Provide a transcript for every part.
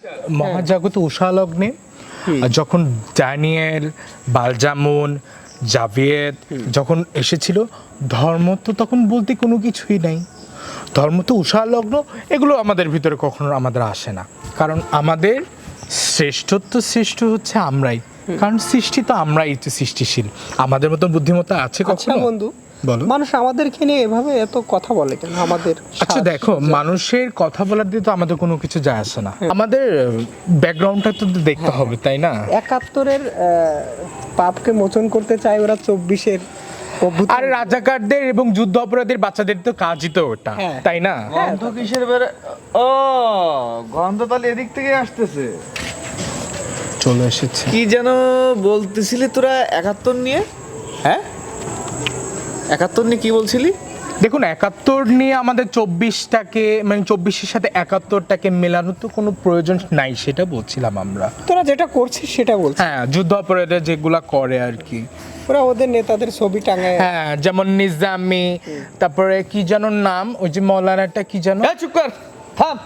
মহাজাগত উষালগ্নে যখন ড্যানিয়েল, বালজামুন, জাভিয়েদ যখন এসেছিল, ধর্ম তো তখন বলতে কোনো কিছুই নাই। ধর্ম তো উষালগ্ন, এগুলো আমাদের ভিতরে কখনো আমাদের আসে না, কারণ আমাদের শ্রেষ্ঠ হচ্ছে আমরাই, কারণ সৃষ্টি তো আমরাই তো সৃষ্টিশীল। আমাদের মতন বুদ্ধিমত্তা আছে কখনো? বন্ধু, বলো। মানুষ আমাদেরকে নিয়ে এভাবে এত কথা বলে কেন? আমাদের আচ্ছা দেখো, মানুষের কথা বলার দিয়ে তো আমাদের কোনো কিছু যায় আসে না, আমাদের ব্যাকগ্রাউন্ডটা তো দেখতে হবে, তাই না? ৭১-এর পাপকে মোচন করতে চায় ওরা ২৪-এর আর রাজাকারদের এবং যুদ্ধ অপরাধীর বাচ্চাদের তো কাজই তো ওটা, তাই না? গন্ধ কিসের বেড়ে? ও, গন্ধ তাহলে এদিক থেকে আসতেছে। চলে এসেছে। কি যেন বলতেছিলি তোরা ৭১ নিয়ে? হ্যাঁ, ৭১ নিয়ে কি বলছিলি? দেখুন, ৭১ নিয়ে আমাদের ২৪টাকে, মানে ২৪-এর সাথে ৭১টাকে মেলানোর তো কোনো প্রয়োজন নাই, সেটা বলছিলাম আমরা। তোরা যেটা করছিস সেটা বলছিস। হ্যাঁ, যুদ্ধ অপরাধে যেগুলা করে আর কি, ওরা ওদের নেতাদের ছবি টাঙায়। হ্যাঁ, যেমন নিজামি, তারপরে কি যেন নাম, ওই যে মৌলানাটা কি যেন। চুপ কর, থাম।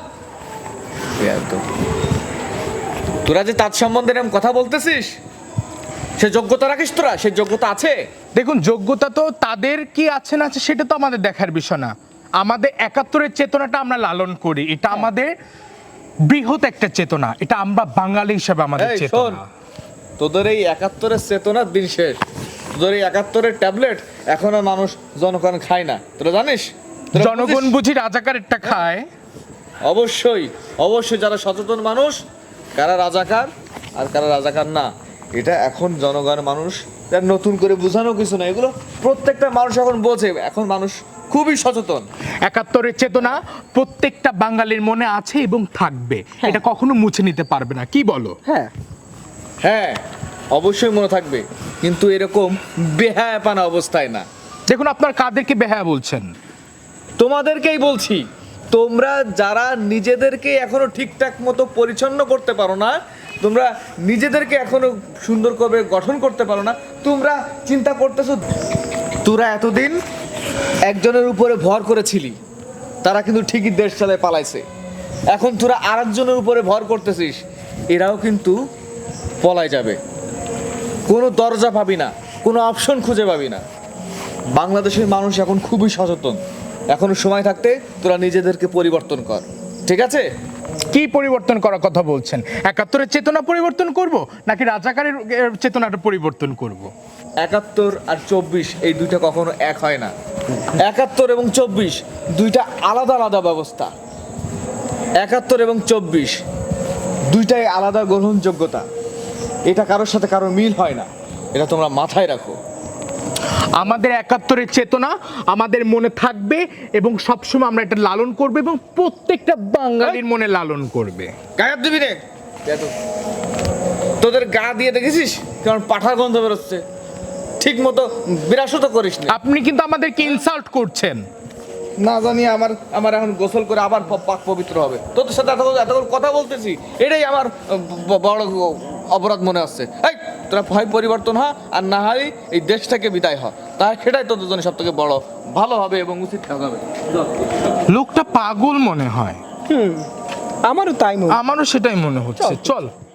তোরা যে তার সম্বন্ধে এরকম কথা বলতেছিস, সে যোগ্যতা রাখিস তোরা? সে যোগ্যতা আছে? দেখুন, যোগ্যতা তো তাদের কি আছে না আছে সেটা তো আমাদের দেখার বিষয় না। আমাদের ৭১-এর চেতনাটা আমরা লালন করি, এটা আমাদের বৃহৎ একটা চেতনা, এটা আমরা বাঙালি হিসেবে আমাদের এই শোন, চেতনা। তোদের এই ৭১-এর চেতনার দিন শেষ। তোদের এই ৭১-এর ট্যাবলেট এখন আর মানুষ জনগণ খায় না, তোরা জানিস? তোরা জনগণ বুঝিস? বুঝি রাজাকারেরটা খায়। অবশ্যই অবশ্যই, যারা সচেতন মানুষ, কারা রাজাকার আর কারা রাজাকার না, এটা এখন জনগণ মানুষ, তার নতুন করে বোঝানো কিছু না, এগুলো প্রত্যেকটা মানুষ এখন বোঝে। এখন মানুষ খুবই সচেতন। ৭১-এর চেতনা প্রত্যেকটা বাঙালির মনে আছে এবং থাকবে, এটা কখনো মুছে নিতে পারবে না, কি বলো? হ্যাঁ, হ্যাঁ, অবশ্যই মনে থাকবে, কিন্তু এরকম বেহায়াপানা অবস্থায় না। দেখুন, আপনার কাদেরকে বেহায়া বলছেন? তোমাদেরকেই বলছি, তোমরা যারা নিজেদেরকে এখনো ঠিকঠাক মতো পরিচ্ছন্ন করতে পারো না, তোমরা নিজেদেরকে এখনো সুন্দর করে গঠন করতে পারো না, তোমরা চিন্তা করতেছো তোরা এতদিন একজনের উপরে ভর করেছিলি, তারা কিন্তু ঠিকই দেশ চালায় পালাইছে। এখন তোরা আরেকজনের উপরে ভর করতেছিস, এরাও কিন্তু পলায় যাবে। কোনো দরজা পাবি না, কোনো অপশন খুঁজে পাবি না। বাংলাদেশের মানুষ এখন খুবই সচেতন, এখনো সময় থাকতে তোরা নিজেদেরকে পরিবর্তন কর, ঠিক আছে? কি পরিবর্তন করার কথা বলছেন? ৭১-এর চেতনা পরিবর্তন করব নাকি রাজাকারের চেতনাটা পরিবর্তন করব? ৭১ আর ২৪ এই দুইটা কখনো এক হয় না। ৭১ এবং ২৪ দুইটা আলাদা আলাদা ব্যবস্থা। ৭১ এবং ২৪ দুইটাই আলাদা গ্রহণযোগ্যতা, এটা কারোর সাথে কারোর মিল হয় না, এটা তোমরা মাথায় রাখো। আমাদের ৭১-এর চেতনা আমাদের মনে থাকবে এবং সবসময় আমরা এটা লালন করব এবং প্রত্যেকটা বাঙালির মনে লালন করবে। গায়ের দিবি রে, তোদের গা দিয়ে দেখেছিস কারণ পাঠার গন্ধ বেরোচ্ছে, ঠিক মতো বিরাসত করিস না। আপনি কিন্তু আমাদেরকে ইনসাল্ট করছেন। না জানি আমার আমার এখন গোসল করে আবার পাক পবিত্র হবে। তোদের সাথে এত কথা বলতেছি, এটাই আমার বড় অপরাধ মনে হচ্ছে। এই তোরা হয় পরিবর্তন হ, আর না হয় এই দেশটাকে বিদায় হ, তাই সেটাই তোদের জন্য সব থেকে বড় ভালো হবে এবং উচিত কাজ হবে। লোকটা পাগল মনে হয়। আমারও তাই মনে হয়। আমারও সেটাই মনে হচ্ছে। চল।